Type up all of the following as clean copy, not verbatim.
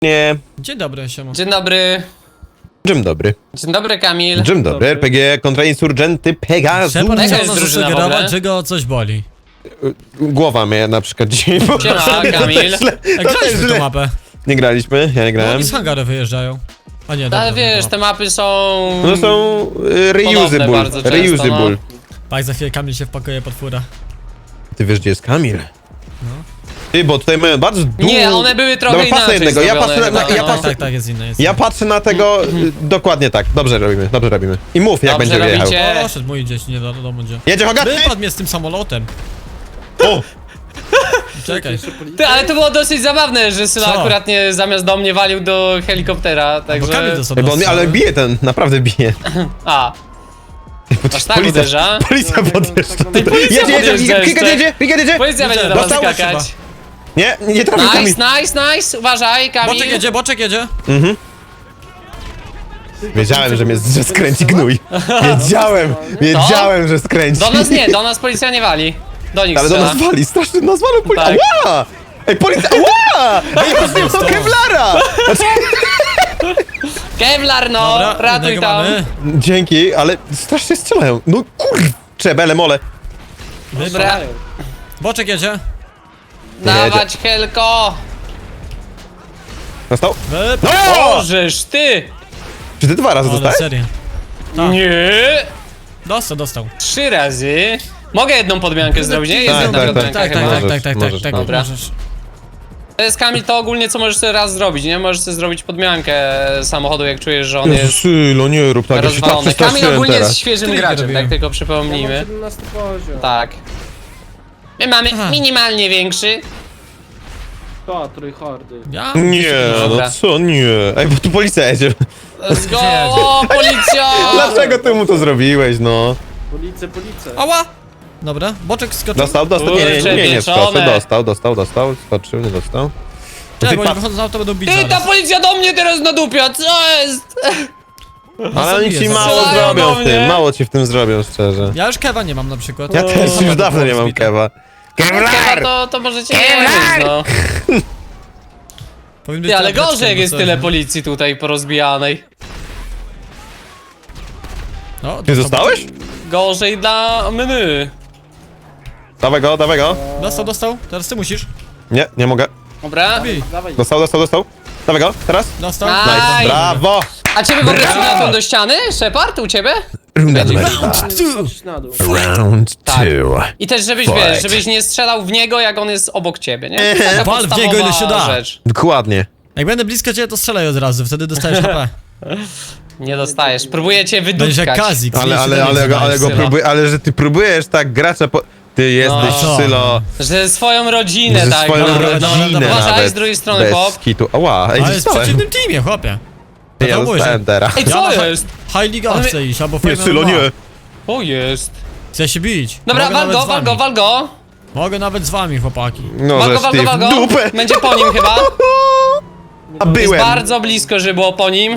Nie. Dzień dobry, siema. Dzień dobry. Dzień dobry. Dzień dobry, Kamil. Dzień dobry. RPG kontra insurgenty Pegasus. Shepard Jaka chciał jest nas drużyna w ogóle? zasugerować, że go coś boli. Głowa mnie na przykład dzisiaj. Siema, To Kamil. też źle. A To też graliśmy źle. tą mapę. Nie graliśmy, ja nie No, grałem. oni z hangaru wyjeżdżają. A nie, dobra. Ale wiesz, te mapy są... No są reusable. bardzo często, Reusable. no. Tak, za chwilę Kamil się wpakuje pod furę. Ty wiesz, gdzie jest Kamil? Ty, bo tutaj mają bardzo dużo... Nie, one były trochę Dobra, patrzę inaczej jednego, ja zrobione patrzę na- chyba, ja no. patrzę- Tak, jest inne, jest Ja inne. patrzę na tego dokładnie tak. Dobrze robimy, dobrze robimy. I mów, jak Dobrze będzie wyjechał. robicie. Poszedł mój gdzieś, nie do domu gdzie. Jedzie Hogaty! Wypadł mnie z tym samolotem. O! Czekaj. Ty, ale to było dosyć zabawne, że Syla Co? akurat nie zamiast do mnie walił do helikoptera, Bo także... Kamil dostał Ej, bo on, na ale strzał. bije ten, naprawdę bije. A, aż tak uderza? Policja podjeżdża. policja podjeżdża Piket jeszcze. jedzie, Piket jedzie! Policja będzie Widzę. do was Dostał skakać. Nie, nie trafił Kamil. Nice, uważaj, Kamil. Boczek jedzie. Wiedziałem, że skręci gnój. Wiedziałem, że skręci. Do nas nie, do nas policja nie wali. Do nich Ale do strzela. nas wali, strasznie nas walą policja. Tak. Ała! Ej, policja, ała! Ej, postawił to. Kevlara! Kevlar, no, Dobra, ratuj jednego tam. mamy. Dzięki, ale strasznie strzelają. No kurczę, bele mole. Dobra, Boczek jedzie. dawać Helko. Dostał? Wypadł. No! Możesz, ty. Czy ty 2 razy Ale dostałeś? serio. Tak. Nie. Dostał. 3 razy. Mogę jedną podmiankę zrobić, nie? Jest Tak, jedna tak, podmianka Tak, chyba. Możesz, tak, Dobra. możesz. To jest, Kamil, to ogólnie co możesz sobie raz zrobić, nie? Możesz sobie zrobić podmiankę samochodu, jak czujesz, że on jest Sylo, nie rób tak, ja się tak rozwalony. Kamil przestraszyłem ogólnie teraz. jest świeżym Trigger graczem, robiłem. tak tylko przypomnijmy. 17 poziom. Tak. My mamy Aha. minimalnie większy. To, trójhordy. Ja? Nie, Dobra. no co nie? Ej, bo tu policja jedzie. Let's go, o, policja! Dlaczego ty mu to zrobiłeś, no? Police. Ała! Dobra, boczek skoczył. Dostał, nie Kurczę, skoczył, pieczone. dostał, skoczył, nie dostał. Czekaj, bo Ty oni pa- wychodzą z auta, będą bić Ty, ta zaraz. policja do mnie teraz nadupia, co jest? Ale oni ci mało Strzelają zrobią do w mnie. tym, mało ci w tym zrobią, szczerze. Ja już kewa nie mam na przykład. Ja też już dawno nie mam Zbite. kewa. Kevlar! To możecie nie wiedzieć, no. Powinien być Ty, ale tabletką, gorzej jak bo jest coś, tyle nie? policji tutaj porozbijanej. No, Ty zostałeś? Gorzej dla menu. Dawaj go. Dostał. Teraz ty musisz. Nie mogę. Dobra. Bij. Dawaj. Dostał. Dawaj go, teraz. Dostał. Aj. Brawo! A ciebie w ogóle przyniosłem do ściany, Shepard, u ciebie? Runda Będzie- numer Chodź na dół. Round Tak. 2. I też żebyś, Fight. wiesz, żebyś nie strzelał w niego, jak on jest obok ciebie, nie? Taka Wal w niego, ile się da. rzecz. Dokładnie. Jak będę blisko ciebie, to strzelaj od razu, wtedy dostajesz HP. Nie dostajesz, próbuję cię Będziesz jak wydupkać. Kazik. Ale że ty próbujesz tak gracza po... Ty jesteś, co? Sylo, Że swoją rodzinę, ze tak. swoją no. rodzinę Uważaj nawet. z drugiej strony, Bez Bob. kitu. Ała, ej, Ale jest w dostałem. przeciwnym teamie, chłopie. Ja to było, dostałem że- teraz. Ej, Ja co na jest? High League Ale- chcę iść, albo Nie, Fame Sylo, MMA. nie. O, jest. Chcę się bić. Dobra, Mogę wal nawet go, z wal go, wami. wal go. Mogę nawet z wami, chłopaki. No, Wal go, żeż wal ty go, wal w go. dupę. Będzie po nim chyba. A Jest byłem. bardzo blisko, że było po nim.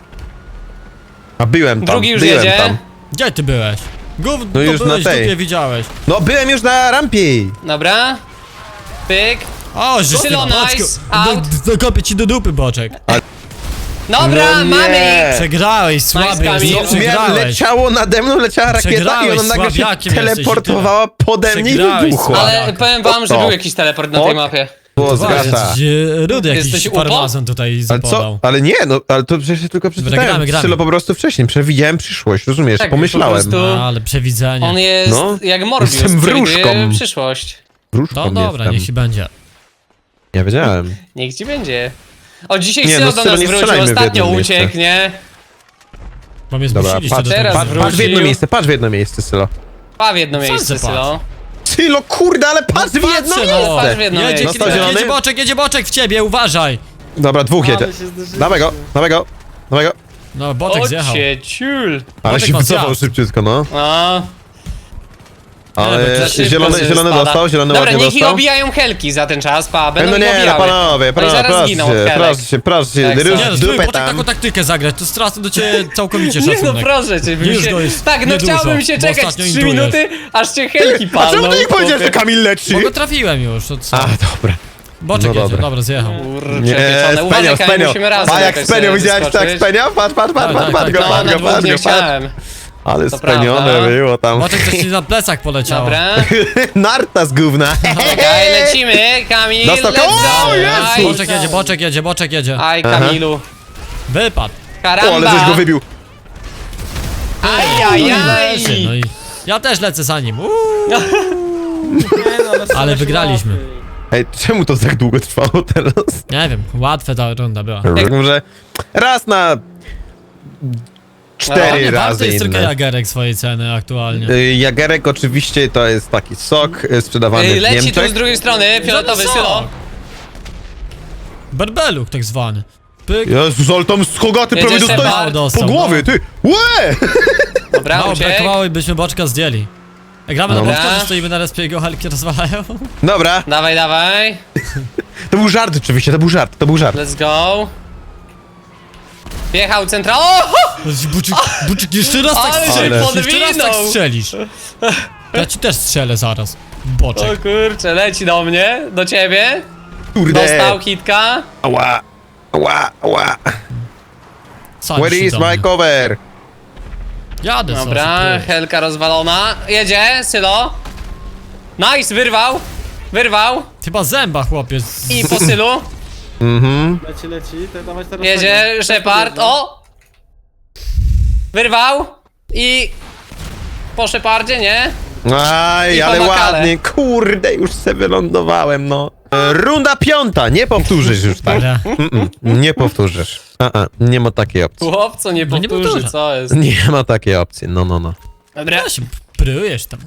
A byłem tam. Drugi już byłem jedzie. tam. Gdzie ty byłeś? Gówno No już byłeś, na tej. dupie widziałeś. No byłem już na rampie. Dobra. Pyk. O, żeś Sylo, ty, nice, Boczku. out. Dokopię ci do dupy, Boczek. Dobra, No nie. mamy. Przegrałeś, słaby, Kamil. no, Miałem, przegrałeś. leciało nade mną, leciała rakieta i Przegrałeś, ona nagle się słabiakiem jesteś i teleportowała pode mnie i Przegrałeś, wybuchła. Ale powiem wam, że O. był jakiś teleport na tej mapie. Było Właśnie, zgata. Rudy Jesteś jakiś upo? farmazon tutaj Ale co? zapodał. Ale nie, no, ale to przecież ja tylko przeczytałem. gramy. Sylo po prostu wcześniej, przewidziałem przyszłość, rozumiesz? Tak, Pomyślałem. po prostu- No, ale przewidzenie. On jest No. jak Morbius, Jestem przewiduje wróżką. przyszłość. Wróżką No dobra, jestem. niech ci będzie. Ja wiedziałem. Niech ci będzie. O, dzisiaj Nie, Sylo no, do Sylo, nas nie wrócił, strzelajmy w ostatnio jedno miejsce. uciekł, nie? Bo mnie Dobra, zmusiliście patrz, do teraz tego. wróć. patrz w jedno miejsce, patrz w jedno miejsce, Sylo. Pa w jedno Co miejsce, ty patrz? Sylo. Sylo, kurde, ale patrz w jedno Patrzę, miejsce! Patrz w jedno Jedzie, miejsce. Dostał jedzie, zielony? jedzie boczek w ciebie, uważaj. Dobra, dwóch jedzie. Ale się zderzyliśmy. Dawaj go, dawaj go, dawaj go. No, boczek zjechał. Ocie, ciul. Ale Boczek się ma wycofał zjazd. szybciutko, no. A, Ale za szybko zielony spada. dostał, zielony Dobra, ładnie niech ich dostał. obijają helki za ten czas, pa, będą No ich nie, no obijały. panowie, No i zaraz proszę zginą od się, helek. proszę się, Tak, ryż Nie, no, w spróbuj dupę boczek tam. taką taktykę zagrać, to stracę do ciebie całkowicie Nie no szacunek. proszę cię, bym Już się... go jest Tak, no niedużo, chciałbym się bo czekać ostatnio 3 intujesz. minuty, aż cię helki A palną. czemu ty nie powiedziałeś, że chłopie. Kamil leczy? Bo go trafiłem już, to co? A, dobra. Boczek No jedzie, dobra. dobra, zjechał. Kurczę, Nie, pieczone. Uważaj, Kamil, musimy razem A jak jakoś Spenio, sobie widziałeś tak wyskoczyć. Spenio? Patrz go, tak, No, patrz go, na dwóch patrz nie go, patrz. chciałem. Ale To Spenione prawda. było tam. Boczek coś ci na plecach poleciało. Dobra. Narta z gówna. Okej, lecimy, Kamil, Dostał- let's O, go. Jezu! Boczek jedzie, boczek jedzie, boczek jedzie. Aj, Kamilu. Wypadł. Karamba. O, ale żeś go wybił. Aj, aj, Leży, no aj. i ja też lecę za nim. Nie, no, ale Ale wygraliśmy. Ej, czemu to tak długo trwało teraz? Nie wiem, łatwe ta runda była. Może raz na No, 4 Nie, warto razy jest tylko inne. Jagerek swojej ceny aktualnie. Jagerek oczywiście to jest taki sok sprzedawany w Leci tu z Niemczech. drugiej strony, fioletowy Żaden sylo. sok. Berbeluk tak zwany. Pyk. Jezus, ale tam z Hogaty Jedzie prawie Shepard. dostałeś Dostał, po głowie, ty! Łe! Dobra, Mało uciek. brakowało i byśmy boczka zdjęli. Jak gramy na Dobra. boczka, to stoimy na respie i go helki rozwalają. Dobra, Dawaj, dawaj. to był żart oczywiście, to był żart, to był żart. Let's go. Wjechał centra. O! Buczyk, jeszcze raz tak Ale się strzelisz. Jeszcze raz tak podwinął. strzelisz. Ja ci też strzelę zaraz. O Boczek. kurczę, leci do mnie, do ciebie. Kurde! Dostał hitka. Ała! Ała! Ała! Sam Where się is do my mnie. cover? Jadę sobie. Dobra, helka rozwalona. Jedzie, Sylo. Nice, wyrwał. Wyrwał. Chyba zęba, chłopiec. I po Sylu. Leci, to dawać teraz Jedzie tego. Shepard. O! Wyrwał. I... Po Shepardzie, nie? Aj, I ale pomakale. ładnie, kurde, już se wylądowałem, no. Runda 5, nie powtórzysz już tak. Dobra. Nie powtórzysz. Nie ma takiej opcji. Chłopco nie No nie powtórzy, powtórzę. co jest. Nie ma takiej opcji, no. Dobra. Ja się pryjesz tam.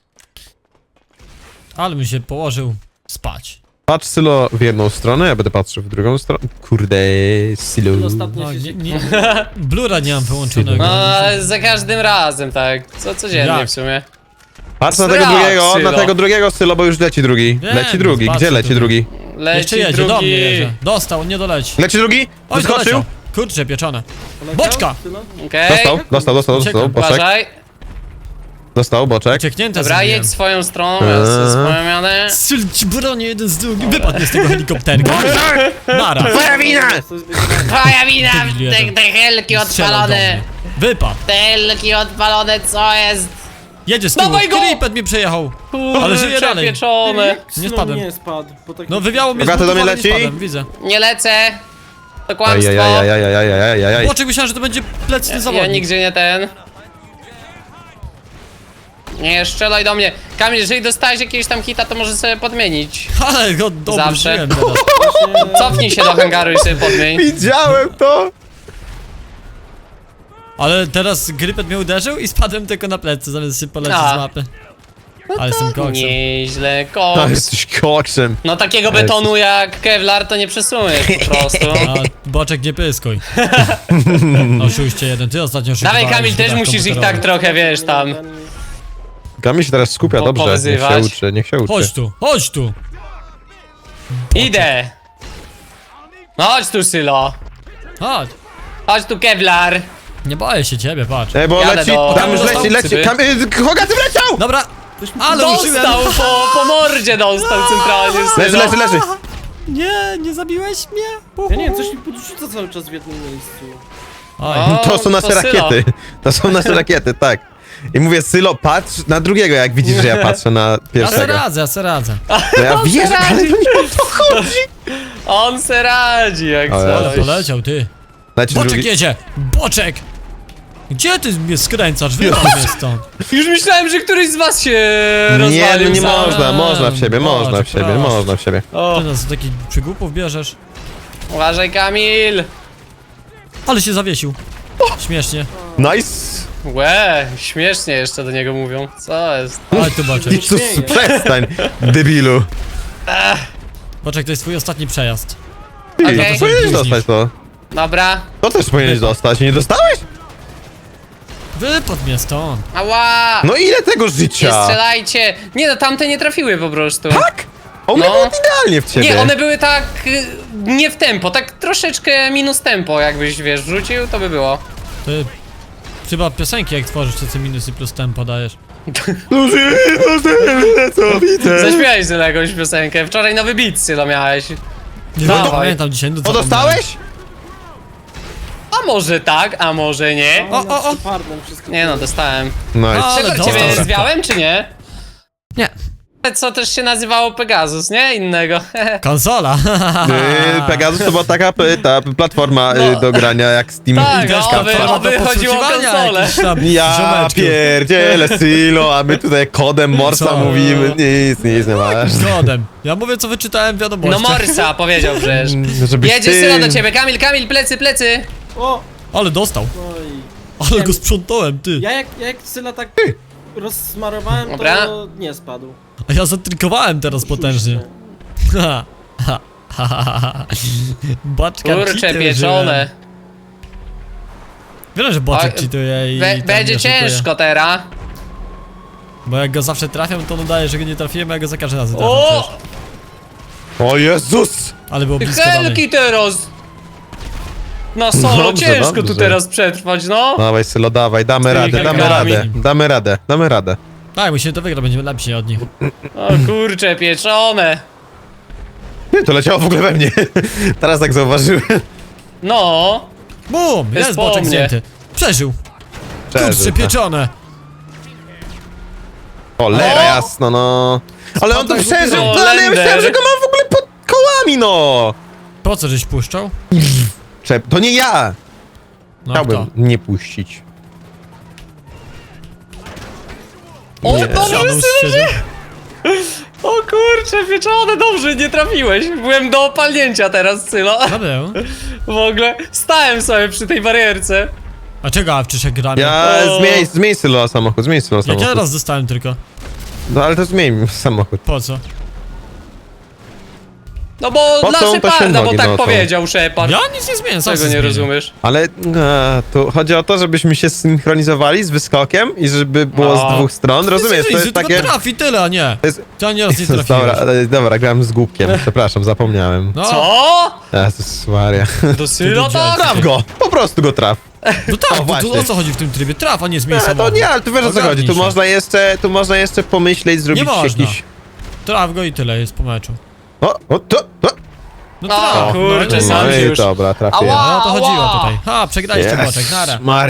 Ale mi się położył spać. Patrz Sylo w jedną stronę, ja będę patrzył w drugą stronę. Kurde, Sylo. Ostatnio No, się nie, blura nie mam wyłączonego. No, ale za każdym razem, tak. Codziennie Jak? w sumie. Patrz na tego Strach, drugiego, Sylo. na tego drugiego Sylo, bo już leci drugi. Wiem, Leci drugi, patrzę gdzie leci tutaj. drugi? Leci Jeszcze jedzie, drugi. do mnie jedzie. Dostał, nie doleci. Leci drugi? Oj, Wyskoczył? doleciał. Kurczę, pieczone. Boczka! Okej. Dostał, Uciekam. boczek. Uważaj. Dostał, boczek. Ucieknięte Dobra, zrobiłem. jedź swoją stroną, ja sobie swoją jadę. Strzel ci bronię jeden z drugim. Wypadł mnie z tego helikopterka. Nara. Twoja wina! Twoja wina, Debil jeden. te helki Strzelał do odpalone. mnie. Wypadł. Te helki odpalone, co jest? Jedzie z tyłu. Dawaj go! Creepet mi przejechał. Ale żyje Kurczę, dalej. pieczone. Nie spadłem. Nie spadł. Bo tak No wywiało mnie z Bogaty do mnie budowy, nie leci? spadłem, widzę. Nie lecę. To kłamstwo. Ajajajajajajajajaj. Boczek myślałem, że to będzie plecny Ja zawodnik. nigdzie nie ten. Nie strzelaj do mnie. Kamil, jeżeli dostałeś jakiegoś tam hita, to może sobie podmienić. Ale go Zawsze. obróciłem teraz. Cofnij się do hangaru i sobie podmień. Widziałem to! Ale teraz Grypet mnie uderzył i spadłem tylko na plecy, zamiast się polecieć A. z mapy. Ale jestem koksem. Nieźle, A, koks. jesteś koksem. No takiego betonu jak Kevlar to nie przesumiesz po prostu. A Boczek nie pyskuj. Oszuście jeden, ty ostatnio Dawaj oszukywałeś Kamil, też grach musisz ich tak komputerowych. trochę, wiesz, tam. Kamil się teraz skupia, dobrze. Niech się Powyzywać. uczy, niech się uczy. Chodź tu, chodź tu. Idę. No chodź tu, Sylo. Chodź. Chodź tu, Kevlar. Nie boję się ciebie, patrz. Bo Jadę leci, do- tam już dostał leci. cyby. Hogaty wleciał! Dobra. Ale użyłem. Dostał, po mordzie dostał centralnie, Leży, Sylo. leży. Nie zabiłeś mnie. Ja nie wiem, coś mi podrzuca cały czas w jednym miejscu. Oj. O, To są nasze to Sylo. rakiety. To są nasze rakiety, tak. I mówię, Sylo, patrz na drugiego, jak widzisz, że ja patrzę na Ja se pierwszego. radzę, ja se radzę. To ja wierzę, ale to nie o to chodzi. On se radzi, jak Ale Ale coś. poleciał, ty. Leci Boczek drugi. jedzie! Boczek! Gdzie ty mnie skręcasz? Wypadł mnie stąd. Już myślałem, że któryś z was się Nie, rozwalił no nie sam. można w siebie, można w siebie, proszę. można w siebie. O, Ty nas do takich przygłupów bierzesz. uważaj, Kamil. Ale się zawiesił. Śmiesznie. Nice! Łe, śmiesznie jeszcze do niego mówią. Co jest? Ale tu Boczek. Jezus, przestań, debilu. Boczek, to jest twój ostatni przejazd. Ty, Okej. to powinieneś dostać to. Dobra. To też powinieneś dostać, nie dostałeś? Wypadł mnie stąd. Ała! No ile tego Nie życia? strzelajcie! Nie no, tamte nie trafiły po prostu. Tak? One No. były idealnie w ciebie. Nie, one były tak nie w tempo, tak troszeczkę minus tempo, jakbyś wiesz, wrzucił, to by było. Ty chyba piosenki jak tworzysz, to co minusy plus tempo dajesz. No co widzę? Zaśpiewałeś Sylo jakąś piosenkę. Wczoraj nowy beat Sylo miałeś. Nie Dawaj. pamiętam dzisiaj. O, dostałeś? A może tak, a może nie? O. Shepardem wszystko. Nie no, dostałem. No i Ale Czego dostał ciebie szybko. zwiałem, czy nie? Nie. Co też się nazywało Pegasus, nie? Innego. Konsola. Pegasus to była taka ta platforma No. do grania jak Steam. Tak, i no, Skype. oby chodziło o podsłuchiwania konsolę. jakichś tam Ja ziomeczków. pierdzielę, Sylo, a my tutaj kodem Morsa Co? mówimy. Nic nie masz. Zgodem. Ja mówię, co wyczytałem w No wiadomościach. Morsa powiedział przecież. Żebyś Jedzie ty- Sylo do ciebie, Kamil, plecy. O! Ale dostał. No i... Ale go sprzątałem, ty. Ja jak Syla tak rozsmarowałem, Dobra. to nie spadł. A ja zatrykowałem teraz potężnie. Ha, ha, ha, ha, ha. Baczka Kurcze cheater, pieczone. że- Wiem, że Boczek A, cheatuje i... tam Będzie nie oszukuje. ciężko teraz. Bo jak go zawsze trafiam, to on udaje, że go nie trafiłem, a ja go za każdym razem trafiam O! przecież. O Jezus! Ale było blisko dalej. Helki teraz! Na solo Dobrze, ciężko tu dobrze. teraz przetrwać, no. Dawaj Sylo, dawaj, damy radę, damy radę. Tak, musimy to wygrać, będziemy lepsi od nich. O kurcze pieczone. Nie, to leciało w ogóle we mnie. Teraz tak zauważyłem. No. Bum! Jest Jest po Boczek mnie. zdjęty. Przeżył. Kurczę Przeżył, pieczone. Cholera O! jasno, no. Ale on to Spadaj, przeżył, o, to, ale ja Lender. myślałem, że go mam w ogóle pod kołami, no. Po co żeś puszczał? To nie ja. No Chciałbym kto? nie puścić. O, Nie. dobrze, Siadł, Sylo. siedział. O kurcze pieczone, dobrze, nie trafiłeś. Byłem do opalnięcia teraz, Sylo. No był. W ogóle stałem sobie przy tej barierce. A czego, a wcześniej gramy? Ja O. zmień Sylo samochód, zmień Sylo Jak ja samochód. raz dostałem tylko. No ale to zmień samochód. Po co? No bo Po dla co on to się Sheparda, bo nogi tak nocą? powiedział Shepard. Ja nic nie zmienię, sam Czego się nie zmienię. rozumiesz? Ale tu chodzi o to, żebyśmy się synchronizowali z wyskokiem i żeby było O. z dwóch stron, rozumiesz? To jest tylko takie... trafi tyle, a nie. To jest... Ja nieraz nie trafiłem. Dobra, grałem z głupkiem, przepraszam, zapomniałem. No, Co? Jezus Maria. Do Sylo Ty tak? Traf go! Po prostu go traf. no tak, O, to właśnie. o co chodzi w tym trybie? Traf, a nie zmień Nie, to samochód. nie, ale tu wiesz o co chodzi. Ogarnij Tu się. można jeszcze pomyśleć, zrobić Nie można. jakiś... Traf go i tyle, jest po meczu. O. No O, traf, kurczę, no, sam No się i już- dobra, trafiłem. Ała! no to chodziło Ała. tutaj. Ha, przegraliście Boczek, nara. Maria.